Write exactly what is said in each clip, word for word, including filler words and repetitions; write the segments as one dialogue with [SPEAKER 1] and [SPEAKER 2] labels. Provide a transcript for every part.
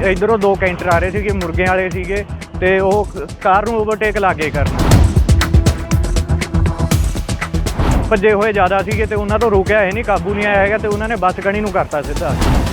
[SPEAKER 1] इधरों दो कैंटर आ रहे थे मुर्गे वाले सीगे ते वो कार नूं ओवरटेक लागे करन भजे हुए ज़्यादा सीगे ते उन्हां तों रोकिया है नहीं, काबू नहीं आया हैगा ते उन्हां ने बस गणी नूं करता सीधा।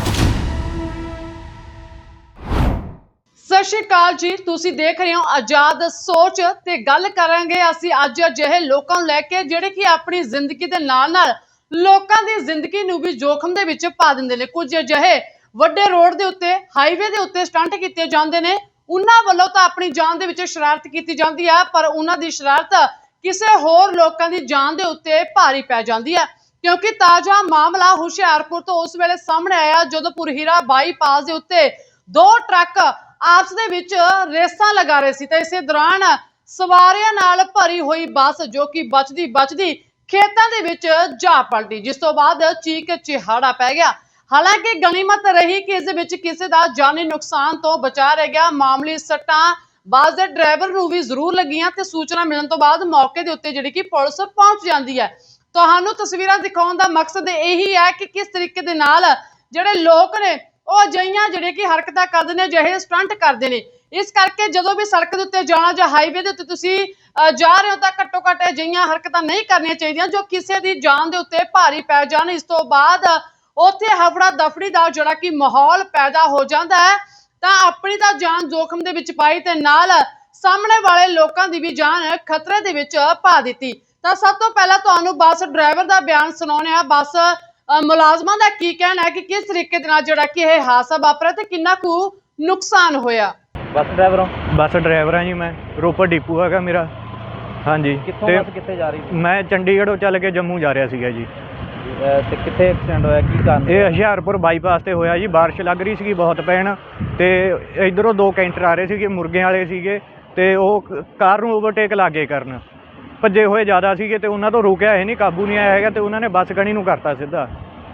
[SPEAKER 2] सत श्री अकाल जी, तुसी देख रहे हो आजाद सोच ते गल करांगे असीं अज अजिहे लोकां नूं लैके जिहड़े कि अपनी जिंदगी दे नाल नाल लोकां दी जिंदगी नूं भी जोखम दे विच पा दिंदे ने। कुछ अजिहे वड्डे रोड दे उत्ते हाईवे दे उत्ते स्टंट कीते जांदे ने, उन्हां वल्लों तां अपनी जान दे विच शरारत कीती जांदी है, पर उन्हां दी शरारत किसी होर लोकां दी जान दे उत्ते भारी पै जांदी है। क्योंकि ताजा मामला हुशियारपुर तो उस वेले सामने आया जदों पुरहीरा बाईपास दे उत्ते दो ट्रक आपस दे विच रेसां लगा रहे सी ते इसे दौरान सवारियां नाल भरी हुई बस जो कि बचदी बचदी खेतां दे विच जा पलटी, जिस तो बाद चीक चिहाड़ा पै गया। हालांकि गनीमत रही कि इस विच किसी दा जानी नुकसान तो बचा रह गया। मामूली सट्टां बस दे ड्राइवर नूं भी जरूर लगियां ते सूचना मिलण तो बाद मौके दे उत्ते जिहड़ी कि पुलिस पहुंच जांदी है। तुहानूं तस्वीरां दिखाउण दा मकसद यही है कि किस तरीके दे नाल जिहड़े लोक ने ਉਹ ਅਜਿਹੀਆਂ ਜਿਹੜੇ ਕਿ ਹਰਕਤਾਂ ਕਰਦੇ ਨੇ, ਅਜਿਹੇ ਸਟੰਟ ਕਰਦੇ ਨੇ। ਇਸ ਕਰਕੇ ਜਦੋਂ ਵੀ ਸੜਕ ਦੇ ਉੱਤੇ ਜਾਣਾ ਜਾਂ ਹਾਈਵੇ ਦੇ ਉੱਤੇ ਤੁਸੀਂ ਜਾ ਰਹੇ ਹੋ ਤਾਂ ਘੱਟੋ ਘੱਟ ਅਜਿਹੀਆਂ ਹਰਕਤਾਂ ਨਹੀਂ ਕਰਨੀਆਂ ਚਾਹੀਦੀਆਂ ਜੋ ਕਿਸੇ ਦੀ ਜਾਨ ਦੇ ਉੱਤੇ ਭਾਰੀ ਪੈ ਜਾਣ। ਇਸ ਤੋਂ ਬਾਅਦ ਉੱਥੇ ਹਫੜਾ ਦਫੜੀ ਦਾ ਜਿਹੜਾ ਕਿ ਮਾਹੌਲ ਪੈਦਾ ਹੋ ਜਾਂਦਾ ਹੈ ਤਾਂ ਆਪਣੀ ਤਾਂ ਜਾਨ ਜ਼ੋਖਮ ਦੇ ਵਿੱਚ ਪਾਈ ਤੇ ਨਾਲ ਸਾਹਮਣੇ ਵਾਲੇ ਲੋਕਾਂ ਦੀ ਵੀ ਜਾਨ ਖਤਰੇ ਦੇ ਵਿੱਚ ਪਾ ਦਿੱਤੀ। ਤਾਂ ਸਭ ਤੋਂ ਪਹਿਲਾਂ ਤੁਹਾਨੂੰ ਬੱਸ ਡਰਾਈਵਰ ਦਾ ਬਿਆਨ ਸੁਣਾਉਂਦੇ ਆ। ਬੱਸ ਮੁਲਾਜ਼ਮਾਂ ਦਾ ਕੀ ਕਹਿਣਾ ਹੈ ਕਿ ਕਿਸ ਤਰੀਕੇ ਦੇ ਨਾਲ ਜਿਹੜਾ ਕਿ ਇਹ ਹਾਦਸਾ ਵਾਪਰਿਆ ਤੇ ਕਿੰਨਾ ਕੁ ਨੁਕਸਾਨ ਹੋਇਆ।
[SPEAKER 1] ਬੱਸ ਡਰਾਈਵਰ ਹੋ? ਬੱਸ ਡਰਾਈਵਰ ਹਾਂ ਜੀ ਮੈਂ, ਰੋਪੜ ਡਿਪੂ ਹੈਗਾ ਮੇਰਾ। ਹਾਂਜੀ।
[SPEAKER 3] ਕਿੱਥੋਂ ਬੱਸ ਕਿੱਥੇ ਜਾ ਰਹੀ ਸੀ?
[SPEAKER 1] ਮੈਂ ਚੰਡੀਗੜ੍ਹੋਂ ਚੱਲ ਕੇ ਜੰਮੂ ਜਾ ਰਿਹਾ ਸੀਗਾ ਜੀ।
[SPEAKER 3] ਤੇ ਕਿੱਥੇ ਐਕਸੀਡੈਂਟ ਹੋਇਆ, ਕੀ ਕਾਰਨ?
[SPEAKER 1] ਇਹ ਹੁਸ਼ਿਆਰਪੁਰ ਬਾਈਪਾਸ ਤੇ ਹੋਇਆ ਜੀ। ਬਾਰਿਸ਼ ਲੱਗ ਰਹੀ ਸੀਗੀ ਬਹੁਤ ਪੈਣ ਤੇ ਇਧਰੋਂ ਦੋ ਕੈਂਟਰ ਆ ਰਹੇ ਸੀਗੇ ਮੁਰਗੇ ਵਾਲੇ ਸੀਗੇ ਤੇ ਉਹ ਕਾਰ ਨੂੰ ਓਵਰਟੇਕ ਲਾਗੇ ਕਰਨ ਭੱਜੇ ਹੋਏ ਜ਼ਿਆਦਾ ਸੀਗੇ ਤੇ ਉਹਨਾਂ ਤੋਂ ਰੋਕਿਆ ਹੈ ਨਹੀਂ, ਕਾਬੂ ਨਹੀਂ ਆਇਆ ਹੈਗਾ ਤੇ ਉਹਨਾਂ ਨੇ ਬੱਸ ਗਣੀ ਨੂੰ ਕਰਤਾ ਸਿੱਧਾ।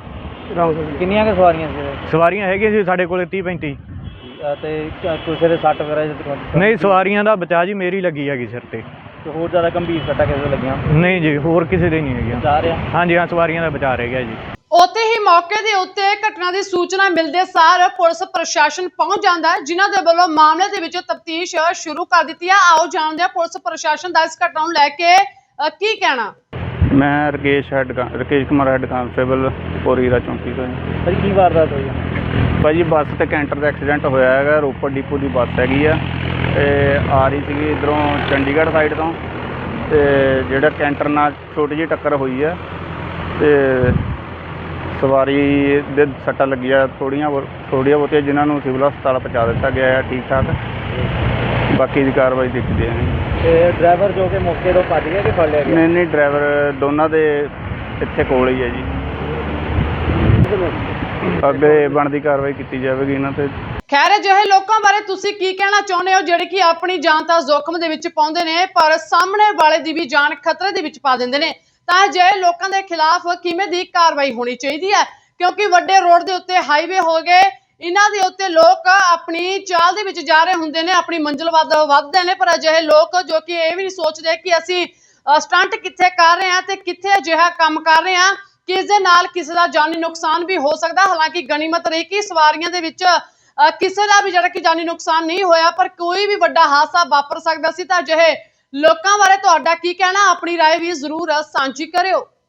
[SPEAKER 3] ਕਿੰਨੀਆਂ ਕੁ ਸਵਾਰੀਆਂ ਸੀ?
[SPEAKER 1] ਸਵਾਰੀਆਂ ਹੈਗੀਆਂ ਸੀ ਸਾਡੇ ਕੋਲ ਤੀਹ ਪੈਂਤੀ।
[SPEAKER 3] ਤੇ ਕਿਸੇ ਦੇ ਸੱਟ ਵਗੈਰਾ?
[SPEAKER 1] ਨਹੀਂ, ਸਵਾਰੀਆਂ ਦਾ ਬਚਾਅ ਜੀ ਮੇਰੀ ਲੱਗੀ ਹੈਗੀ ਸਿਰ ਤੇ।
[SPEAKER 3] ਹੋਰ ਜ਼ਿਆਦਾ ਗੰਭੀਰ ਸੱਟਾਂ ਕਿਸੇ ਦੇ ਲੱਗੀਆਂ?
[SPEAKER 1] ਨਹੀਂ ਜੀ, ਹੋਰ ਕਿਸੇ ਦੇ ਨਹੀਂ ਹੈਗੀਆਂ।
[SPEAKER 3] ਬਚਾ ਰਿਹਾ? ਹਾਂਜੀ
[SPEAKER 1] ਹਾਂ, ਸਵਾਰੀਆਂ ਦਾ ਬਚਾਅ ਰਹਿ ਗਿਆ ਜੀ।
[SPEAKER 2] ਉੱਥੇ ਹੀ ਮੌਕੇ ਦੇ ਉੱਤੇ ਘਟਨਾ ਦੀ ਸੂਚਨਾ ਮਿਲਦੇ ਸਾਰ ਪੁਲਿਸ ਪ੍ਰਸ਼ਾਸਨ ਪਹੁੰਚ ਜਾਂਦਾ ਹੈ, ਜਿਨ੍ਹਾਂ ਦੇ ਵੱਲੋਂ ਮਾਮਲੇ ਦੇ ਵਿੱਚ ਤਫਤੀਸ਼ ਸ਼ੁਰੂ ਕਰ ਦਿੱਤੀ ਹੈ। ਆਓ ਜਾਣਦੇ ਹਾਂ ਪੁਲਿਸ ਪ੍ਰਸ਼ਾਸਨ ਦਾ ਇਸ ਘਟਨਾ ਨੂੰ ਲੈ ਕੇ ਕੀ ਕਹਿਣਾ।
[SPEAKER 4] ਮੈਂ Rakesh head Rakesh Kumar head constable Purhira ਚੌਂਕੀ ਤੋਂ ਜੀ।
[SPEAKER 3] ਭਾਜੀ ਕੀ ਵਾਰਦਾਤ ਹੋਈ?
[SPEAKER 4] ਭਾਜੀ ਬੱਸ ਤੇ ਕੈਂਟਰ ਦਾ ਐਕਸੀਡੈਂਟ ਹੋਇਆ ਹੈਗਾ। ਰੋਪੜ ਡਿਪੂ ਦੀ ਬੱਸ ਹੈਗੀ ਆ ਤੇ ਆ ਰਹੀ ਸੀਗੀ ਇੱਧਰੋਂ ਚੰਡੀਗੜ੍ਹ ਸਾਈਡ ਤੋਂ ਤੇ ਜਿਹੜਾ ਕੈਂਟਰ ਨਾਲ ਛੋਟੀ ਜਿਹੀ ਟੱਕਰ ਹੋਈ ਆ ਤੇ ਸਵਾਰੀ ਦੇ ਸੱਟਾਂ ਲੱਗੀਆਂ ਥੋੜ੍ਹੀਆਂ ਥੋੜ੍ਹੀਆਂ ਬਹੁਤੀਆਂ, ਜਿਨ੍ਹਾਂ ਨੂੰ ਸਿਵਲ ਹਸਪਤਾਲ ਪਹੁੰਚਾ ਦਿੱਤਾ ਗਿਆ ਹੈ ਠੀਕ ਠਾਕ। ਬਾਕੀ ਦੀ ਕਾਰਵਾਈ ਦੇਖਦੇ ਹਾਂ।
[SPEAKER 3] ਤੇ ਡਰਾਈਵਰ ਜੋ ਕਿ ਮੌਕੇ ਤੋਂ ਭੱਜ ਗਿਆ ਕਿ ਫੜ ਲਿਆ ਗਿਆ?
[SPEAKER 4] ਨਹੀਂ ਨਹੀਂ, ਡਰਾਈਵਰ ਦੋਨਾਂ ਦੇ ਇੱਥੇ ਕੋਲ ਹੀ ਹੈ ਜੀ। ਅੱਗੇ ਬਣਦੀ ਕਾਰਵਾਈ ਕੀਤੀ ਜਾਵੇਗੀ ਇਹਨਾਂ ਤੇ।
[SPEAKER 2] ਖੈਰ, ਅਜਿਹੇ ਲੋਕਾਂ ਬਾਰੇ ਤੁਸੀਂ ਕੀ ਕਹਿਣਾ ਚਾਹੁੰਦੇ ਹੋ ਜਿਹੜੇ ਕਿ ਆਪਣੀ ਜਾਨ ਤਾਂ ਜ਼ੋਖਮ ਦੇ ਵਿੱਚ ਪਾਉਂਦੇ ਨੇ ਪਰ ਸਾਹਮਣੇ ਵਾਲੇ ਦੀ ਵੀ ਜਾਨ ਖਤਰੇ ਦੇ ਵਿੱਚ ਪਾ ਦਿੰਦੇ ਨੇ? ਤਾਂ ਅਜਿਹੇ ਲੋਕਾਂ ਦੇ ਖਿਲਾਫ ਕਿਵੇਂ ਦੀ ਕਾਰਵਾਈ ਹੋਣੀ ਚਾਹੀਦੀ ਹੈ? ਕਿਉਂਕਿ ਵੱਡੇ ਰੋਡ ਦੇ ਉੱਤੇ ਹਾਈਵੇ ਹੋ ਗਏ, ਇਹਨਾਂ ਦੇ ਉੱਤੇ ਲੋਕ ਆਪਣੀ ਚਾਲ ਦੇ ਵਿੱਚ ਜਾ ਰਹੇ ਹੁੰਦੇ ਨੇ, ਆਪਣੀ ਮੰਜ਼ਿਲ ਵੱਧ ਵੱਧਦੇ ਨੇ, ਪਰ ਅਜਿਹੇ ਲੋਕ ਜੋ ਕਿ ਇਹ ਵੀ ਨਹੀਂ ਸੋਚਦੇ ਕਿ ਅਸੀਂ ਸਟੰਟ ਕਿੱਥੇ ਕਰ ਰਹੇ ਹਾਂ ਤੇ ਕਿੱਥੇ ਅਜਿਹਾ ਕੰਮ ਕਰ ਰਹੇ ਹਾਂ ਕਿ ਇਸ ਦੇ ਨਾਲ ਕਿਸੇ ਦਾ ਜਾਨੀ ਨੁਕਸਾਨ ਵੀ ਹੋ ਸਕਦਾ। ਹਾਲਾਂਕਿ ਗਨੀਮਤ ਰਹੀ ਕਿ ਸਵਾਰੀਆਂ ਦੇ ਵਿੱਚ ਕਿਸੇ ਦਾ ਵੀ ਜਿਹੜਾ ਕਿ ਜਾਨੀ ਨੁਕਸਾਨ ਨਹੀਂ ਹੋਇਆ, ਪਰ ਕੋਈ ਵੀ ਵੱਡਾ ਹਾਦਸਾ ਵਾਪਰ ਸਕਦਾ ਸੀ। ਤਾਂ ਅਜਿਹੇ ਲੋਕਾਂ ਬਾਰੇ ਤੁਹਾਡਾ ਕੀ ਕਹਿਣਾ? ਆਪਣੀ ਰਾਏ ਵੀ ਜ਼ਰੂਰ ਸਾਂਝੀ ਕਰਿਓ।